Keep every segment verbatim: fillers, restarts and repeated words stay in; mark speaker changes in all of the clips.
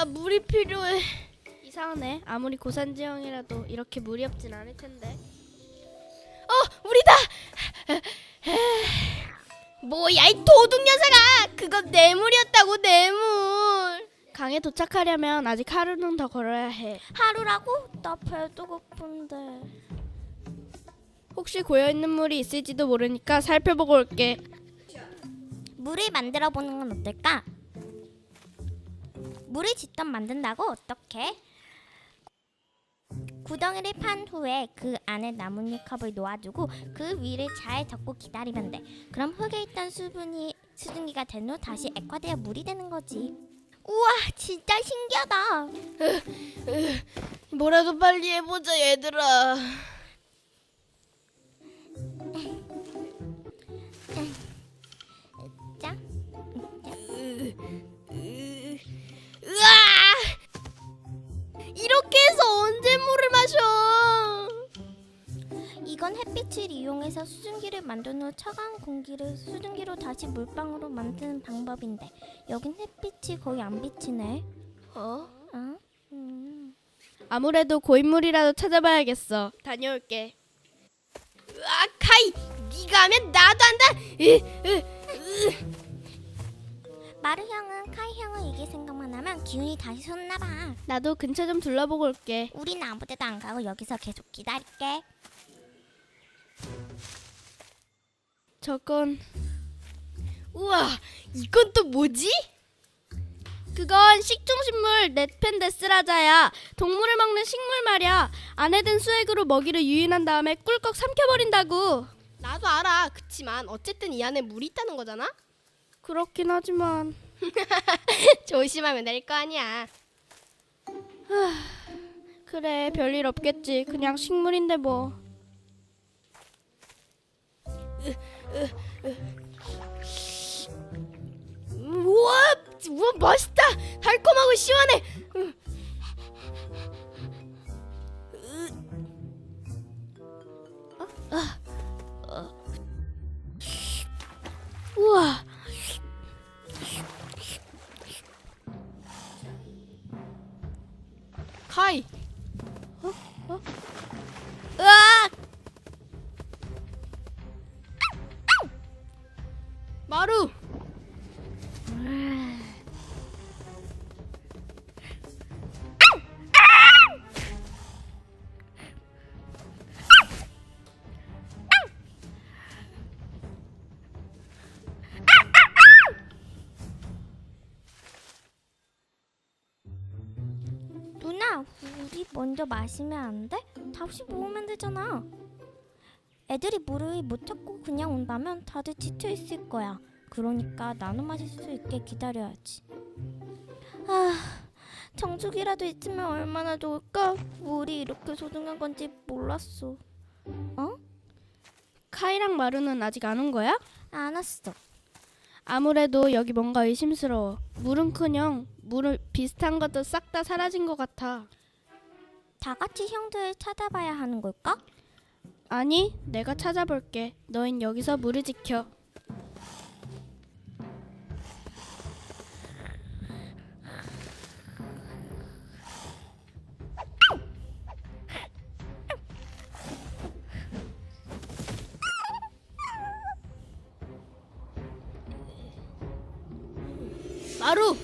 Speaker 1: 물이 필요해. 이상하네. 아무리 고산지형이라도 이렇게 물이 없진 않을 텐데. 어, 물이다. 뭐야 이 도둑 녀석아. 그건 뇌물이었다고. 뇌물. 강에 도착하려면 아직 하루는 더 걸어야 해.
Speaker 2: 하루라고? 나 배도 고픈데.
Speaker 1: 혹시 고여있는 물이 있을지도 모르니까 살펴보고 올게.
Speaker 2: 물을 만들어 보는 건 어떨까? 물을 직접 만든다고? 어떻게? 구덩이를 판 후에 그 안에 나뭇잎 컵을 놓아두고 그 위를 잘 덮고 기다리면 돼. 그럼 흙에 있던 수분이 수증기가 된 후 다시 액화되어 물이 되는 거지. 우와, 진짜 신기하다.
Speaker 1: 뭐라도 빨리 해보자 얘들아.
Speaker 2: 자,
Speaker 1: 으아! 이렇게 해서 언제 물을 마셔?
Speaker 2: 이건 햇빛을 이용해서 수증기를 만든 후 차가운 공기를 수증기로 다시 물방울로 만드는 방법인데 여긴 햇빛이 거의 안 비치네.
Speaker 1: 어?
Speaker 2: 어? 음.
Speaker 1: 아무래도 고인물이라도 찾아봐야겠어. 다녀올게. 으아, 카이! 네가 하면 나도 한다. 으, 으, 으.
Speaker 2: 마루 형은 카이 형은 이게 생각만 하면 기운이 다시 솟나 봐.
Speaker 1: 나도 근처 좀 둘러보고 올게.
Speaker 2: 우린 아무데도 안 가고 여기서 계속 기다릴게.
Speaker 1: 저건 우와, 이건 또 뭐지? 그건 식충식물 넷펜데스라자야. 동물을 먹는 식물 말이야. 안에 든 수액으로 먹이를 유인한 다음에 꿀꺽 삼켜버린다고.
Speaker 3: 나도 알아. 그치만 어쨌든 이 안에 물이 있다는 거잖아.
Speaker 1: 그렇긴 하지만
Speaker 3: 조심하면 될 거 아니야.
Speaker 1: 그래, 별일 없겠지. 그냥 식물인데 뭐.
Speaker 3: 우와, 우와 맛있다. 달콤하고 시원해.
Speaker 1: 우와.
Speaker 3: 카이.
Speaker 1: 으악!
Speaker 3: 마루.
Speaker 2: 누나, 우리 먼저 마시면 안 돼? 다시 모으면 되잖아. 애들이 물을 못 찾고 그냥 온다면 다들 지쳐 있을 거야. 그러니까 나눠 마실 수 있게 기다려야지. 아, 정수기라도 있으면 얼마나 좋을까? 물이 이렇게 소중한 건지 몰랐어. 어?
Speaker 1: 카이랑 마루는 아직 안 온 거야?
Speaker 2: 안 왔어.
Speaker 1: 아무래도 여기 뭔가 의심스러워. 물은커녕 물을 비슷한 것도 싹 다 사라진 것 같아.
Speaker 2: 다 같이 형들 찾아봐야 하는 걸까?
Speaker 1: 아니, 내가 찾아볼게. 너흰 여기서 물을 지켜.
Speaker 3: 마루.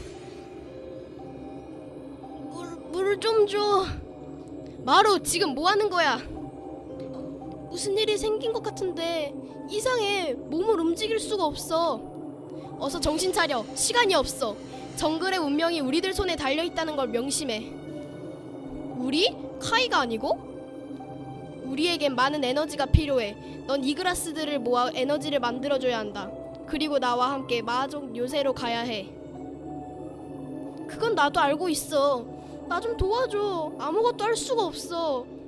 Speaker 3: 물, 물을 좀 줘. 마루, 지금 뭐 하는 거야? 무슨 일이 생긴 것 같은데 이상해. 몸을 움직일 수가 없어. 어서 정신 차려. 시간이 없어. 정글의 운명이 우리들 손에 달려있다는 걸 명심해. 우리? 카이가 아니고? 우리에겐 많은 에너지가 필요해. 넌 이그라스들을 모아 에너지를 만들어줘야 한다. 그리고 나와 함께 마족 요새로 가야 해. 그건 나도 알고 있어. 나 좀 도와줘. 아무것도 할 수가 없어.